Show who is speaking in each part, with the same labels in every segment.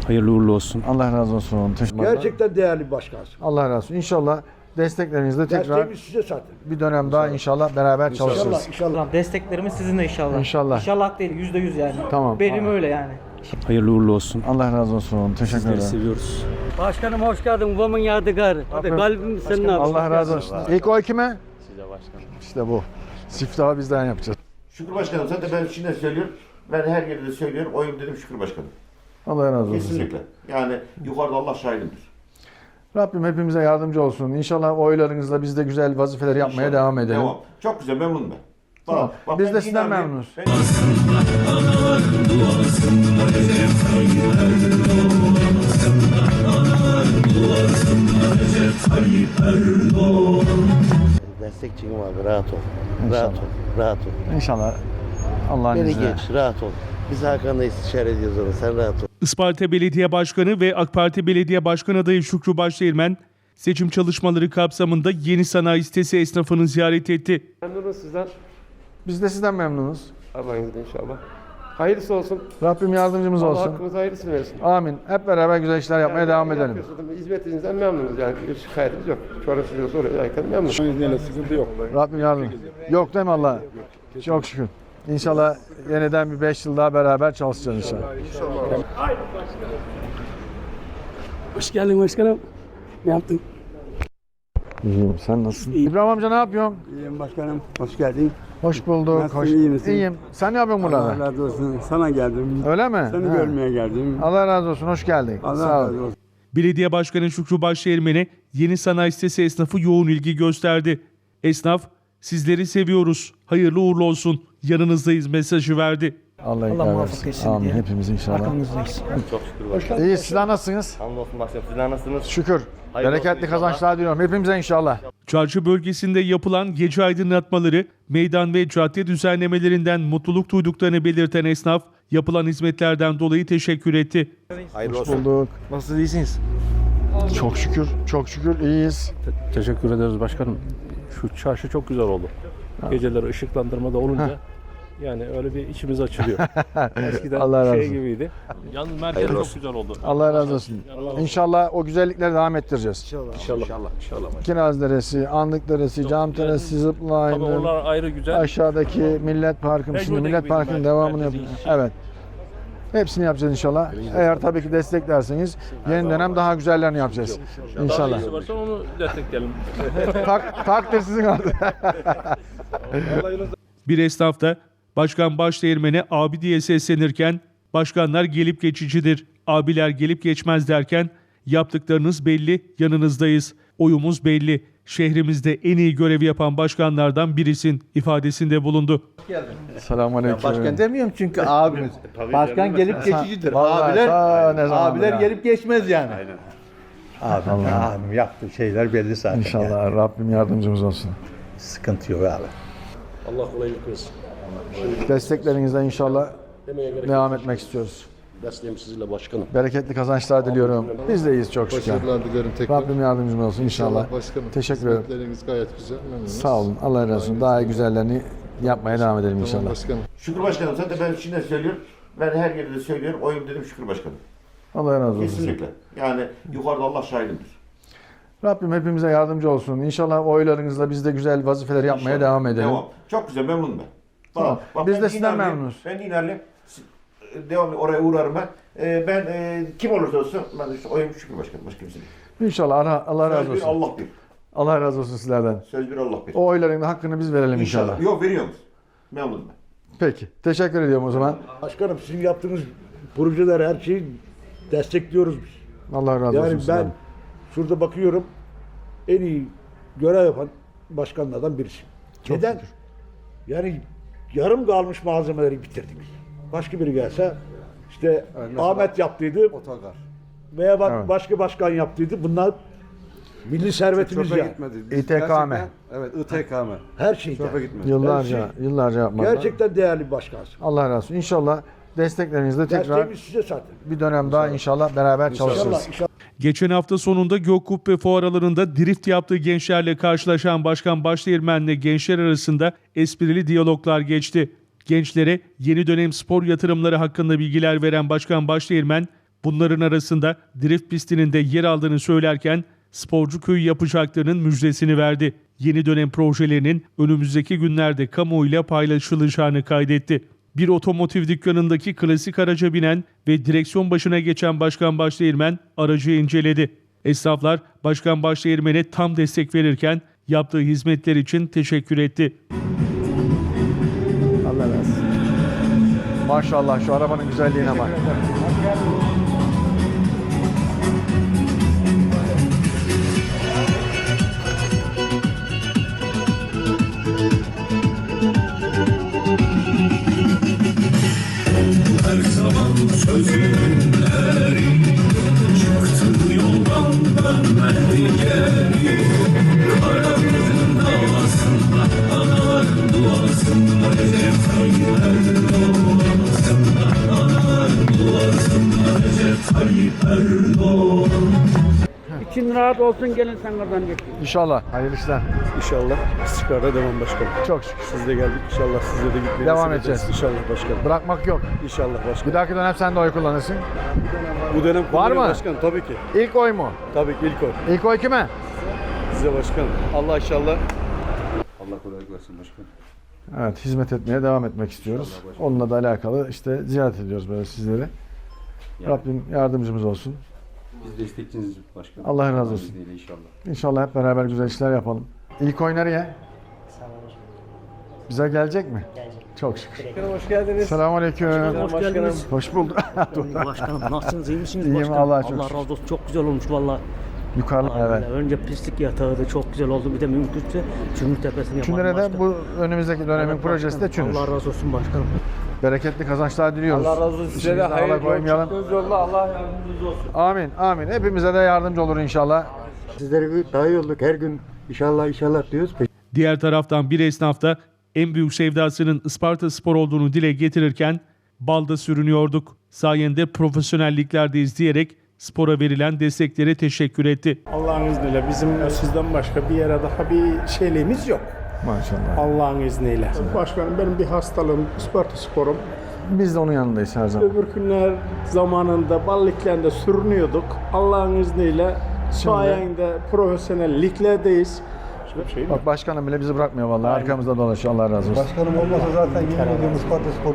Speaker 1: Hayırlı uğurlu olsun.
Speaker 2: Allah razı olsun.
Speaker 3: Gerçekten değerli bir başkansın.
Speaker 2: Allah razı olsun. İnşallah desteklerinizle tekrar
Speaker 3: Desteğimiz size zaten.
Speaker 2: bir dönem daha inşallah beraber çalışırız.
Speaker 3: İnşallah, inşallah.
Speaker 4: Desteklerimiz sizinle inşallah.
Speaker 2: İnşallah.
Speaker 4: İnşallah değil, %100 yani.
Speaker 2: Tamam.
Speaker 4: Benim öyle yani.
Speaker 1: Hayırlı uğurlu olsun.
Speaker 2: Allah razı olsun. Teşekkür
Speaker 1: Sizleri
Speaker 2: ederim.
Speaker 1: seviyoruz.
Speaker 5: Başkanım hoş geldin. Babamın yadigarı. Hadi kalbim senin abi.
Speaker 2: Allah razı olsun. İlk oy kime? Size başkanım. İşte bu. Siftahı bizden yapacağız.
Speaker 6: Şükür Başkanım zaten ben şimdi söylüyorum. Ben her yerde de söylüyorum. Oyum dedim Şükür Başkanım.
Speaker 2: Allah razı olsun.
Speaker 6: Kesinlikle. Yani yukarıda Allah şahidimdir.
Speaker 2: Rabbim hepimize yardımcı olsun. İnşallah oylarınızla biz de güzel vazifeler yapmaya
Speaker 6: İnşallah.
Speaker 2: devam edelim.
Speaker 6: Devam. Çok güzel memnunum ben.
Speaker 2: Tamam.
Speaker 6: Bak,
Speaker 2: Biz
Speaker 6: ben
Speaker 2: de sizden
Speaker 6: inanıyorum.
Speaker 2: memnunuz.
Speaker 7: Destekçiyim abi, rahat ol. Rahat ol, rahat ol.
Speaker 2: İnşallah Allah'ın
Speaker 7: Beni
Speaker 2: izniyle.
Speaker 7: geç, rahat ol. Biz Hakan'la istişare ediyoruz onu, sen rahat ol.
Speaker 8: Isparta Belediye Başkanı ve AK Parti Belediye Başkanı adayı Şükrü Başdeğirmen, seçim çalışmaları kapsamında Yeni Sanayi Sitesi esnafını ziyaret etti.
Speaker 9: Memnunuz sizden.
Speaker 2: Biz de sizden memnunuz.
Speaker 9: Allah'ın izniyle inşallah. Hayırlısı olsun.
Speaker 2: Rabbim yardımcımız
Speaker 9: Allah
Speaker 2: olsun.
Speaker 9: hakkımıza hayırlısını versin.
Speaker 2: Amin. Hep beraber güzel işler yapmaya devam edelim.
Speaker 9: Yapıyorsunuz, hizmetinizden memnunuz yani. Bir şikayetimiz yok. Sonra size soruyorken memnunuz.
Speaker 3: Sıkıntı yok.
Speaker 2: Rabbim yardım. Yok değil mi Allah? Çok şükür. İnşallah yeniden bir 5 yıl daha beraber çalışacağız inşallah.
Speaker 5: Hoş geldin başkanım. Ne yaptın?
Speaker 2: İyiyim. Sen nasılsın? İbrahim amca ne yapıyorsun?
Speaker 5: İyiyim başkanım. Hoş geldin.
Speaker 2: Hoş bulduk.
Speaker 5: Nasılsın, iyi misin?
Speaker 2: İyiyim. Sen ne yapıyorsun burada?
Speaker 5: razı olsun. Sana geldim.
Speaker 2: Öyle mi?
Speaker 5: Seni
Speaker 2: Ha.
Speaker 5: görmeye geldim.
Speaker 2: Allah razı olsun. Hoş geldin. Sağ ol.
Speaker 5: olsun.
Speaker 8: Belediye Başkanı Şükrü Başdeğirmen'e Yeni Sanayi Sitesi esnafı yoğun ilgi gösterdi. Esnaf, sizleri seviyoruz, hayırlı uğurlu olsun, yanınızdayız mesajı verdi.
Speaker 2: Allah
Speaker 4: Allah
Speaker 2: ikram
Speaker 4: muvaffak
Speaker 2: etsin.
Speaker 4: etsin
Speaker 2: Amin.
Speaker 4: diyelim.
Speaker 2: Hepimiz inşallah.
Speaker 4: Arkamızdayız.
Speaker 7: Çok şükür başkanım.
Speaker 2: İyi. Sizler nasılsınız?
Speaker 7: Hamdolsun başkanım, sizler nasılsınız?
Speaker 2: Şükür.
Speaker 7: Hayırlı
Speaker 2: Bereketli
Speaker 7: olsun inşallah.
Speaker 2: kazançlar diliyorum. Hepimize inşallah.
Speaker 8: Çarşı bölgesinde yapılan gece aydınlatmaları, meydan ve cadde düzenlemelerinden mutluluk duyduklarını belirten esnaf, yapılan hizmetlerden dolayı teşekkür etti.
Speaker 2: Hoş bulduk. Nasıl iyisiniz? Çok şükür. Çok şükür iyiyiz.
Speaker 1: Teşekkür ederiz başkanım. Şu çarşı çok güzel oldu. Geceleri ışıklandırmada olunca yani öyle bir içimiz açılıyor. Eskiden
Speaker 2: Allah razı
Speaker 1: şey
Speaker 2: olsun.
Speaker 1: gibiydi. Yalnız merkez çok güzel oldu.
Speaker 2: Allah razı olsun. İnşallah o güzellikleri devam ettireceğiz.
Speaker 1: İnşallah.
Speaker 2: Kiraz Deresi, Andık Deresi, Cam Deresi,
Speaker 1: Tabii
Speaker 2: Zipline,
Speaker 1: onlar ayrı güzel.
Speaker 2: aşağıdaki Millet Parkı, şimdi
Speaker 1: Mecbur
Speaker 2: Millet
Speaker 1: gibi
Speaker 2: Parkı'nın
Speaker 1: bizim
Speaker 2: devamını
Speaker 1: merkezi
Speaker 2: yapacağız. Evet. Hepsini yapacağız inşallah. Eğer tabii ki desteklerseniz yeni dönem daha güzellerini yapacağız. İnşallah.
Speaker 1: Daha varsa onu destekleyelim.
Speaker 2: Takdir sizin artık.
Speaker 8: Bir esnaf da Başkan Başdeğirmen'e abi diye seslenirken, başkanlar gelip geçicidir, abiler gelip geçmez derken, yaptıklarınız belli, yanınızdayız, oyumuz belli, şehrimizde en iyi görevi yapan başkanlardan birisin ifadesinde bulundu.
Speaker 2: Selamünaleyküm.
Speaker 10: Başkan demiyorum çünkü abimiz. Başkan gelip geçicidir.
Speaker 2: Vallahi ta ne zamandır
Speaker 10: Abiler
Speaker 2: ya.
Speaker 10: gelip geçmez yani. Abim yaptığı şeyler belli zaten.
Speaker 2: İnşallah Rabbim yardımcımız olsun.
Speaker 10: Sıkıntı yok abi.
Speaker 1: Allah kolaylık versin.
Speaker 2: Desteklerinizle inşallah devam etmek istiyoruz.
Speaker 1: Desteğim sizinle başkanım.
Speaker 2: Bereketli kazançlar diliyorum. Biz de iyiyiz çok şükür.
Speaker 3: Başarılar dilerim tekrar.
Speaker 2: Rabbim yardımcımız olsun inşallah.
Speaker 3: Başkanım.
Speaker 2: Teşekkür ederim.
Speaker 3: Hizmetleriniz gayet güzel. Memnunuz.
Speaker 2: Sağ olun. Allah razı olsun. Daha iyi güzellerini yapmaya devam edelim
Speaker 3: Tamam
Speaker 2: inşallah.
Speaker 3: başkanım.
Speaker 6: Şükür Başkanım zaten ben şimdi söylüyorum. Ben her yerde de söylüyorum. Oyum dedim Şükür Başkanım.
Speaker 2: Allah razı olsun.
Speaker 6: Kesinlikle. Yani yukarıda Allah şahidimdir.
Speaker 2: Rabbim hepimize yardımcı olsun. İnşallah oylarınızla biz de güzel vazifeler yapmaya
Speaker 6: İnşallah.
Speaker 2: devam edelim.
Speaker 6: Devam. Çok güzel memnunum ben.
Speaker 2: Tamam.
Speaker 6: Bak,
Speaker 2: Biz
Speaker 6: ben
Speaker 2: de sizden
Speaker 6: İnanlıyım.
Speaker 2: memnunuz.
Speaker 6: Ben İnanlıyım. Devamlı oraya uğrarım ben. Ben kim olursa olsun ben işte oyum Şükür Başkanım. Başka kimse değil.
Speaker 2: İnşallah Allah razı
Speaker 6: Söz bir
Speaker 2: olsun.
Speaker 6: Allah bir.
Speaker 2: Allah razı olsun sizlerden.
Speaker 6: Söz bir Allah bir.
Speaker 2: O oyların da hakkını biz verelim inşallah.
Speaker 6: Yok veriyoruz. Memnunum ben.
Speaker 2: Peki. Teşekkür ediyorum o zaman.
Speaker 3: Başkanım sizin yaptığınız projeler her şeyi destekliyoruz biz.
Speaker 2: Allah razı olsun
Speaker 3: Yani ben
Speaker 2: sizden.
Speaker 3: şurada bakıyorum en iyi görev yapan başkanlardan birisi.
Speaker 2: Çok
Speaker 3: Neden?
Speaker 2: şükür.
Speaker 3: Yani yarım kalmış malzemeleri bitirdik. Başka biri gelse işte Ahmet yaptıydı
Speaker 10: Otogar.
Speaker 3: veya
Speaker 2: Evet.
Speaker 3: başka başkan yaptıydı. Bunlar milli servetimiz yani.
Speaker 2: İTKM.
Speaker 10: Evet, İTKM.
Speaker 3: Her şeyden.
Speaker 10: Çöpe gitmedi.
Speaker 2: Yıllarca yapmadılar.
Speaker 3: Gerçekten değerli bir başkansın.
Speaker 2: Allah razı olsun. İnşallah desteklerinizle tekrar
Speaker 3: Desteğimiz size zaten.
Speaker 2: bir dönem daha inşallah beraber çalışırız.
Speaker 3: İnşallah, inşallah.
Speaker 8: Geçen hafta sonunda Gökkubbe fuar alanında drift yaptığı gençlerle karşılaşan Başkan Başdeğirmen'le gençler arasında esprili diyaloglar geçti. Gençlere yeni dönem spor yatırımları hakkında bilgiler veren Başkan Başdeğirmen, Bunların arasında drift pistinin de yer aldığını söylerken sporcu köyü yapacaklarının müjdesini verdi. Yeni dönem projelerinin önümüzdeki günlerde kamuoyuyla paylaşılacağını kaydetti. Bir otomotiv dükkanındaki klasik araca binen ve direksiyon başına geçen Başkan Başdeğirmen aracı inceledi. Esnaflar Başkan Başdeğirmen'e tam destek verirken yaptığı hizmetler için teşekkür etti.
Speaker 2: Allah razı olsun. Maşallah şu arabanın güzelliğine bak.
Speaker 11: Her zaman sözünün eri, çıktı yoldan dönmedi geri. Karanlığın davasında, anaların duasında, Recep Tayyip Erdoğan. Anaların duasında, Recep Tayyip Erdoğan.
Speaker 5: İçin rahat olsun, gelin sen oradan geçin.
Speaker 2: İnşallah. Hayırlı işler.
Speaker 1: İnşallah istikrara devam başkanım.
Speaker 2: Çok şükür.
Speaker 1: Siz de geldik. İnşallah sizle de gitmeyi
Speaker 2: Devam
Speaker 1: nasip
Speaker 2: edeceğiz.
Speaker 1: İnşallah başkanım.
Speaker 2: Bırakmak yok.
Speaker 1: İnşallah başkanım.
Speaker 2: Bir dahaki dönem sen de oy kullanırsın.
Speaker 1: Bu dönem
Speaker 2: Var mı?
Speaker 1: Başkanım tabii ki.
Speaker 2: İlk oy mu?
Speaker 1: Tabii ki ilk oy.
Speaker 2: İlk oy kime?
Speaker 1: Size başkanım. Allah inşallah.
Speaker 10: Allah kolaylık versin başkanım.
Speaker 2: Evet, hizmet etmeye devam etmek istiyoruz. Onunla da alakalı işte ziyaret ediyoruz böyle sizleri. Rabbim yardımcımız olsun.
Speaker 10: Biz destekçiniz başkanım.
Speaker 2: Allah razı olsun.
Speaker 10: İnşallah.
Speaker 2: İnşallah hep beraber güzel işler yapalım. İlk oy nereye? Bize gelecek mi? Gelecek. Çok şükür.
Speaker 1: Hoş geldiniz.
Speaker 2: Selamünaleyküm.
Speaker 5: Hoş geldiniz.
Speaker 2: Hoş bulduk.
Speaker 5: Başkanım nasılsınız, iyi misiniz
Speaker 2: İyiyim,
Speaker 5: başkanım?
Speaker 2: Allah'a çok
Speaker 5: Allah
Speaker 2: şükür.
Speaker 5: razı olsun, çok güzel olmuş valla.
Speaker 2: Yukarı, evet.
Speaker 5: Önce pislik yatağıydı, çok güzel oldu. Bir de mümkünse Çümür Tepesi'ni yapalım.
Speaker 2: Çünür'e de
Speaker 5: başkanım.
Speaker 2: bu önümüzdeki dönemin
Speaker 5: Evet,
Speaker 2: projesi de
Speaker 5: başkanım.
Speaker 2: Çünür.
Speaker 5: Allah razı olsun başkanım.
Speaker 2: Bereketli kazançlar diliyoruz.
Speaker 1: Allah razı olsun. Size de
Speaker 2: İşinizden
Speaker 1: hayırlı
Speaker 2: Allah koymayalım.
Speaker 1: yolculuk. Allah yardımcınız olsun.
Speaker 2: Amin, amin. Hepimize de yardımcı olur inşallah.
Speaker 10: Sizlere daha iyi olduk. Her gün inşallah diyoruz.
Speaker 8: Diğer taraftan bir esnaf da en büyük sevdasının Ispartaspor olduğunu dile getirirken balda sürünüyorduk. Sayende profesyonelliklerdeyiz diyerek spora verilen desteklere teşekkür etti.
Speaker 12: Allah'ın izniyle bizim sizden başka bir yere daha bir şeyliğimiz yok.
Speaker 2: Maşallah.
Speaker 12: Allah'ın izniyle. Başkanım benim bir hastalığım Ispartaspor'um.
Speaker 2: Biz de onun yanındayız her zaman.
Speaker 12: Öbür günler zamanında balliklerinde sürünüyorduk. Allah'ın izniyle sayende profesyonel liglerdeyiz.
Speaker 2: Bak başkanım bile bizi bırakmıyor vallahi. Arkamızda dolaşıyor. Allah razı olsun.
Speaker 10: Başkanım olmasa zaten yemin ediyorum Ispartaspor.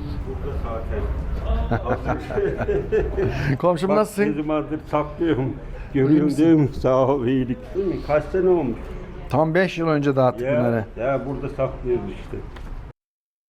Speaker 2: Komşum nasılsın?
Speaker 12: Ne zamandır saklıyorum. Görüyorum değil mi? Sağ ol, iyilik. Kaç sene olmuş?
Speaker 2: Tam 5 yıl önce dağıttık bunları.
Speaker 12: Ya burada saklıyoruz işte.